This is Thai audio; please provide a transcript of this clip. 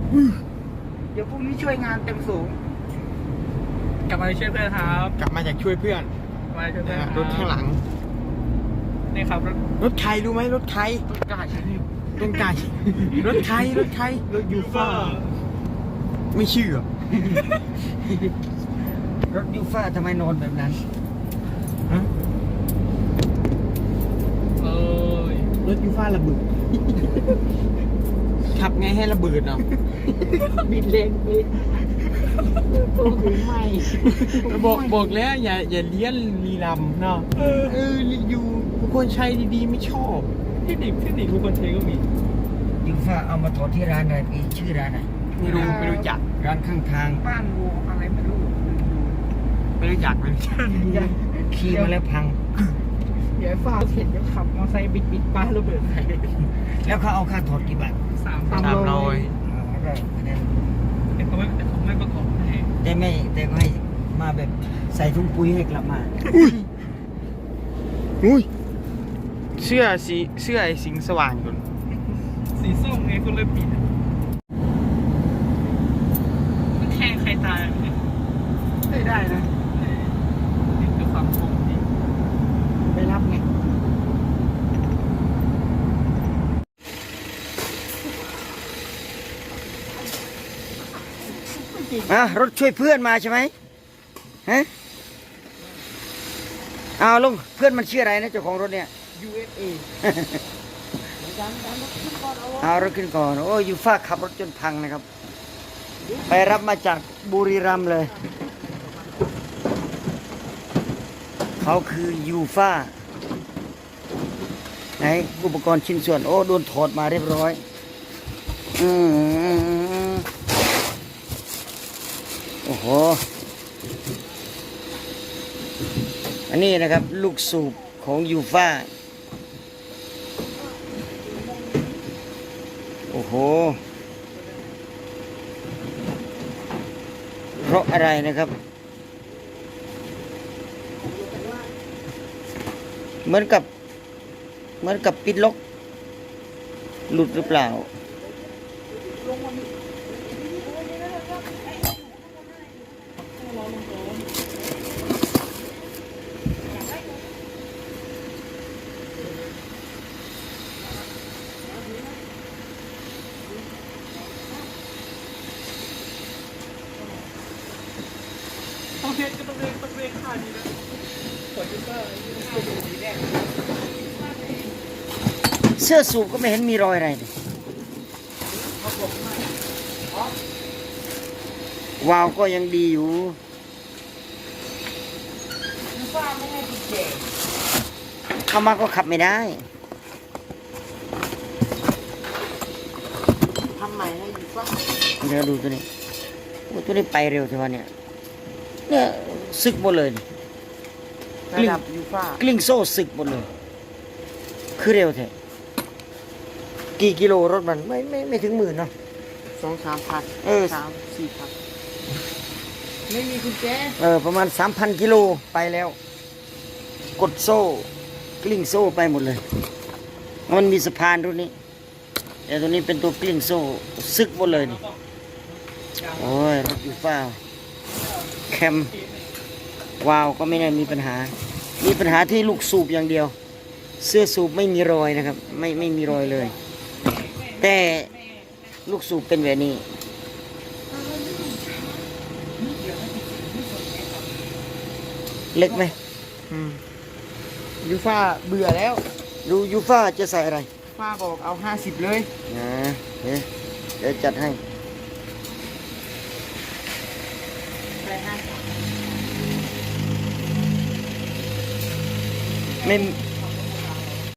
เดี๋ยวพรุ่งนี้ช่วยงานเต็มสูงกลับมาช่วยเพื่อนครับกลับมาจากช่วยเพื่อนกลับมาช่วยเพื่อนรถข้างหลังนี่ครับรถใครรู้ไหมรถใครรถกาชนิดต้นไก่รถใครรถใครรถยูฟ่าไม่เชื่อรถยูฟ่าทำไมนอนแบบนั้นฮะเอ้ยรถยูฟ่าระเบิดขับไงให้ระเบิดเนาะบิดเลนบิดตัวถึงไม่บอกแล้วอย่าเลี้ยนลีลำเนาะอยู่คนใช้ดีๆไม่ชอบเทคนิคทุกคนใช้ก็มียูฟ่าเอามาถอดที่ร้านอะไรพี่ชื่อร้านไหนไม่รู้จักร้านข้างทางบ้านวัวอะไรไม่รู้ไม่รู้จักขี่มาแล้วพังเดี๋ยวฟ้าเห็นจะขับมอเตอร์ไซค์บิดป้าระเบิดใส่แล้วเขาเอาค่าถอดกี่บาท 300 ก็คะแนนเป็นเขาไม่ประกอบให้แต่ก็ให้มาแบบใส่ถุงปุ๋ยให้กลับมาอุ้ยเสื้อไอ้สิงสว่างก่อนสีส้มไงคนเลยปิดมันแทงใครตายเนี่ยไม่ได้นะนี่คือความโชคดีไปรับไง รถช่วยเพื่อนมาใช่ไหมฮะเอาลุงเพื่อนมันชื่ออะไรนะเจ้าของรถเนี่ย USA เอารถขึ้นก่อนโอ้ยูฟ่าขับรถจนพังนะครับ ไปรับมาจากบุรีรัมย์เลย เขาคือยูฟ่าไหนอุปกรณ์ชิ้นส่วนโอ้โดนถอดมาเรียบร้อยโอ้โหอันนี้นะครับลูกสูบของยูฟ่าโอ้โหเพราะอะไรนะครับเหมือนกับปิดล็อกหลุดหรือเปล่าต้องเรียกค่านี้นะขอยูเซอร์สีแดงเสื้อสูบก็ไม่เห็นมีรอยอะไรเลยวาวก็ยังดีอยู่เข้ามาก็ขับไม่ได้ทำใหม่ให้ยูฟ่าเดี๋ยวดูตัวนี้โอ้ตัวนี้ไปเร็วใช่ไหมเนี่ยสึกหมดเลยระดับยูฟ่ากลิ้งโซ่สึกหมดเลยคือเร็วแท้กี่กิโลรถมันไม่ถึง10,000เนาะ 2-3 พัน 3-4 พันไม่มีกุญแจประมาณ 3,000 กิโลไปแล้ว กดโซ่กลิ้งโซ่ไปหมดเลยมันมีสะพานรุ่นนี้แต่ตัวนี้เป็นตัวกลิ้งโซ่ซึกหมดเลยนี่โอ้ยรถยูฟ่าแคมวาวก็ไม่ได้มีปัญหาที่ลูกสูบอย่างเดียว เสื้อสูบไม่มีรอยนะครับไม่มีรอยเลย แต่ลูกสูบเป็นแบบนี้เล็กไหมยูฟ่าเบื่อแล้วดูยูฟ่าจะใส่อะไรฟ้าบอกเอา50เลยนะเดี๋ยวจัดให้ไม่